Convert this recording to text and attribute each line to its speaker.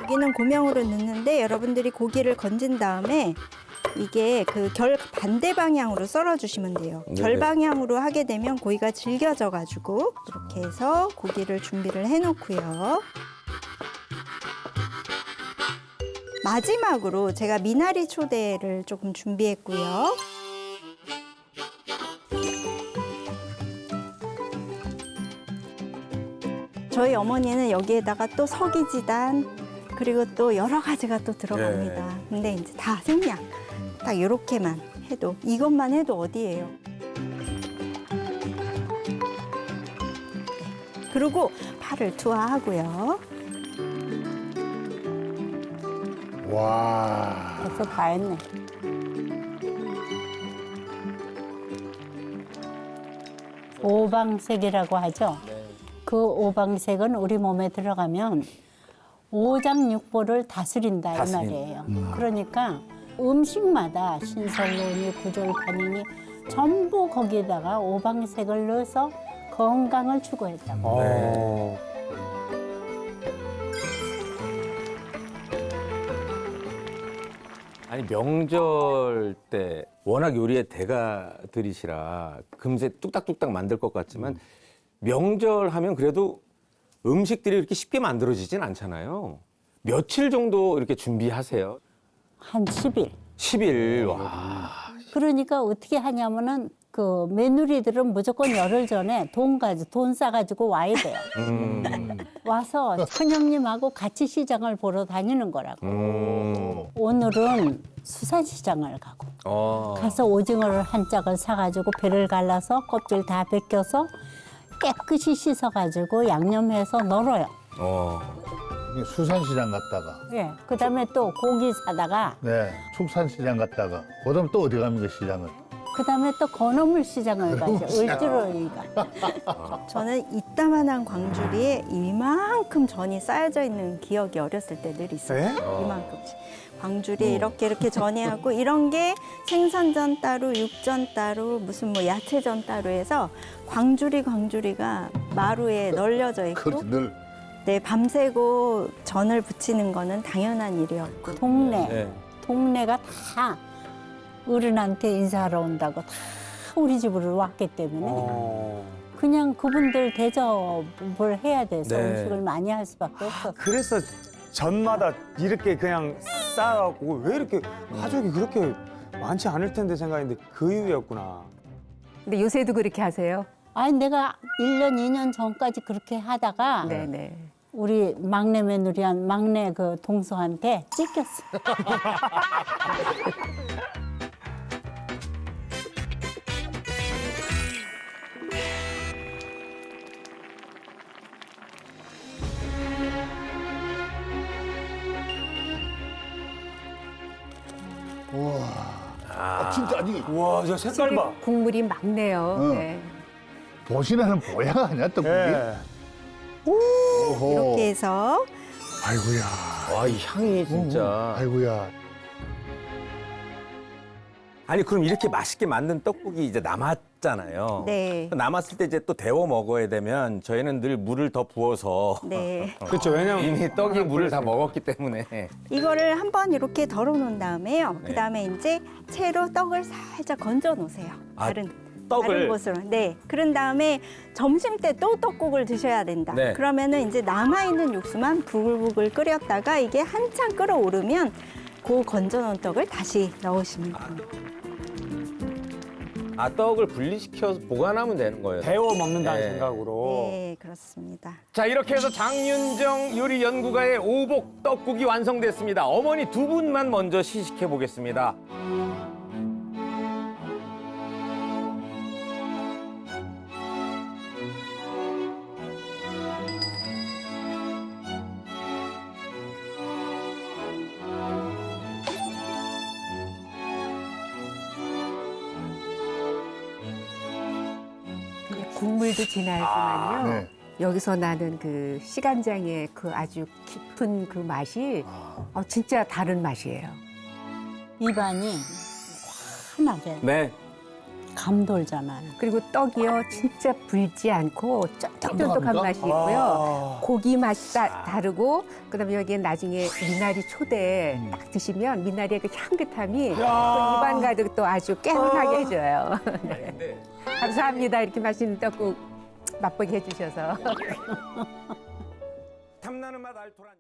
Speaker 1: 고기는 고명으로 넣는데 여러분들이 고기를 건진 다음에 이게 그 결 반대 방향으로 썰어 주시면 돼요.
Speaker 2: 네네.
Speaker 1: 결 방향으로 하게 되면 고기가 질겨져 가지고 이렇게 해서 고기를 준비를 해 놓고요. 마지막으로 제가 미나리 초대를 조금 준비했고요. 저희 어머니는 여기에다가 또 서기지단 그리고 또 여러 가지가 또 들어갑니다. 근데 이제 다 생략. 딱 이렇게만 해도 이것만 해도 어디예요? 그리고 파를 투하하고요.
Speaker 3: 와.
Speaker 4: 벌써 다 했네. 오방색이라고 하죠. 그 오방색은 우리 몸에 들어가면 오장육부를 다스린다 이 말이에요. 그러니까 음식마다 신선론이 구절판이니 전부 거기에다가 오방색을 넣어서 건강을 추구했다고.
Speaker 2: 아니 명절 때 워낙 요리의 대가들이시라 금세 뚝딱뚝딱 만들 것 같지만 명절 하면 그래도 음식들이 이렇게 쉽게 만들어지진 않잖아요. 며칠 정도 이렇게 준비하세요?
Speaker 4: 한 10일.
Speaker 2: 10일. 와.
Speaker 4: 그러니까 어떻게 하냐면은 그 며느리들은 무조건 열흘 전에 돈 싸가지고 와야 돼요. 와서 큰형님하고 같이 시장을 보러 다니는 거라고. 오늘은 수산시장을 가고 가서 오징어를 한 짝을 사가지고 배를 갈라서 껍질 다 벗겨서 깨끗이 씻어가지고 양념해서 널어요.
Speaker 3: 수산시장 갔다가,
Speaker 4: 예. 그다음에 또 고기 사다가
Speaker 3: 네, 축산시장 갔다가, 그다음 또 어디 갑니까, 시장을?
Speaker 4: 그다음에 또 건어물 시장을 가죠. 을지로니까.
Speaker 1: 저는 이따만한 광주리에 이만큼 전이 쌓여져 있는 기억이 어렸을 때 늘 있어요. 이만큼씩. 광주리에 이렇게 전이 하고 이런 게 생선전 따로, 육전 따로, 무슨 뭐 야채전 따로 해서 광주리가 마루에 널려져 있고
Speaker 3: 그렇지, 늘.
Speaker 1: 네, 밤새고 전을 부치는 거는 당연한 일이었고
Speaker 4: 동네가 다 어른한테 인사하러 온다고 다 우리 집으로 왔기 때문에 그냥 그분들 대접을 해야 돼서
Speaker 2: 네.
Speaker 4: 음식을 많이 할 수밖에 없었어요.
Speaker 5: 그래서 전마다 이렇게 그냥 쌓아갖고 왜 이렇게 가족이 그렇게 많지 않을 텐데 생각했는데 그 이유였구나.
Speaker 6: 근데 요새도 그렇게 하세요?
Speaker 4: 아니 내가 1년, 2년 전까지 그렇게 하다가
Speaker 6: 네네.
Speaker 4: 우리 막내 며느리한 막내 그 동서한테 찢겼어.
Speaker 3: 진짜, 아니,
Speaker 5: 우와, 저 색깔 봐.
Speaker 6: 국물이 맑네요.
Speaker 3: 응.
Speaker 6: 네.
Speaker 3: 보시나는 보야가 아니야, 떡국이?
Speaker 5: 예.
Speaker 3: 오호.
Speaker 1: 이렇게 해서
Speaker 3: 아이고야.
Speaker 2: 와, 이 향이 진짜.
Speaker 3: 아이고야.
Speaker 2: 아니 그럼 이렇게 맛있게 만든 떡국이 이제 남았잖아요.
Speaker 1: 네.
Speaker 2: 남았을 때 이제 또 데워 먹어야 되면 저희는 늘 물을 더 부어서
Speaker 1: 네.
Speaker 5: 그렇죠. 왜냐면
Speaker 2: 이미 떡이 물을 다 먹었기 때문에.
Speaker 1: 이거를 한번 이렇게 덜어 놓은 다음에요. 그다음에 이제 채로 떡을 살짝 건져 놓으세요.
Speaker 2: 아,
Speaker 1: 다른
Speaker 2: 떡을?
Speaker 1: 곳으로. 네. 그런 다음에 점심 때 또 떡국을 드셔야 된다.
Speaker 2: 네.
Speaker 1: 그러면은 이제 남아 있는 육수만 부글부글 끓였다가 이게 한참 끓어오르면 그 건져 놓은 떡을 다시 넣으시면 됩니다.
Speaker 2: 아, 떡을 분리시켜서 보관하면 되는 거예요.
Speaker 5: 데워 먹는다는
Speaker 2: 네.
Speaker 5: 생각으로.
Speaker 1: 네, 그렇습니다.
Speaker 2: 자, 이렇게 해서 장윤정 요리 연구가의 오복 떡국이 완성됐습니다. 어머니 두 분만 먼저 시식해 보겠습니다.
Speaker 6: 국물도 진하지만요.
Speaker 3: 네.
Speaker 6: 여기서 나는 그 시간장의 그 아주 깊은 그 맛이 진짜 다른 맛이에요.
Speaker 4: 입안이 환하게
Speaker 2: 네.
Speaker 4: 감 돌잖아요.
Speaker 6: 그리고 떡이요 진짜 불지 않고 쫀득쫀득한
Speaker 3: 쫀득합니까?
Speaker 6: 맛이 있고요. 고기 맛이 다르고 그다음에 여기에 나중에 미나리 초대 딱 드시면 미나리의 그 향긋함이 또 입안 가득 또 아주 개운하게 해줘요. 네. 감사합니다. 이렇게 맛있는 떡국 맛보게 해주셔서.
Speaker 2: 탐나는 맛 알토란.